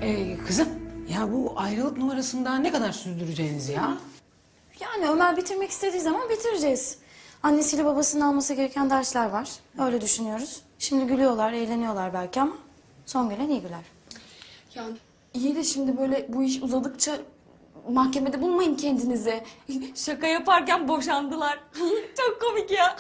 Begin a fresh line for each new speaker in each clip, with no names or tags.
Kızım, ya bu ayrılık numarasını daha ne kadar sürdüreceğiniz ya?
Yani Ömer bitirmek istediği zaman bitireceğiz. Annesiyle babasının alması gereken dersler var. Öyle düşünüyoruz. Şimdi gülüyorlar, eğleniyorlar belki ama son gülen iyi güler.
Yani iyi de şimdi böyle bu iş uzadıkça mahkemede bulmayın kendinizi. Şaka yaparken boşandılar. Çok komik ya.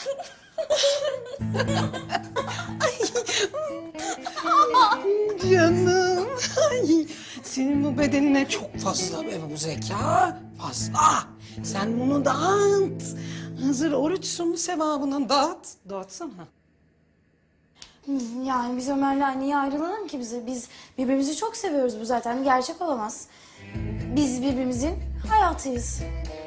Canım, ay, senin bu bedenine çok fazla be bu zeka. Fazla. Sen bunu dağıt. Hazır oruçsun sevabını dağıt. Dağıtsana.
Yani biz Ömer'le niye ayrılalım ki bize? Biz birbirimizi çok seviyoruz, bu zaten gerçek olamaz. Biz birbirimizin hayatıyız.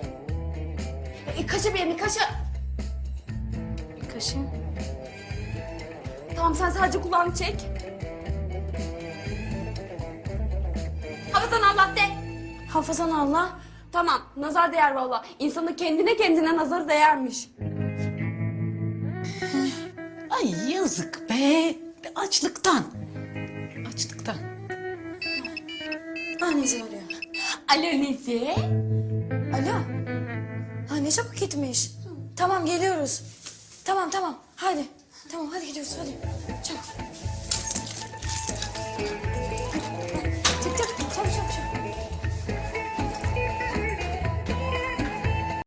Kaşa bir yerini kaşa.
Kaşın.
Tamam sen sadece kulağını çek. Hafızan Allah de.
Hafızan Allah.
Tamam nazar değer valla. İnsanın kendine nazarı değermiş.
Ay yazık be. Açlıktan. Açlıktan.
Annesi arıyor.
Alo Nezi.
Alo. Ha ne çabuk gitmiş. Tamam geliyoruz. Tamam. Hadi. Tamam hadi gidiyoruz hadi.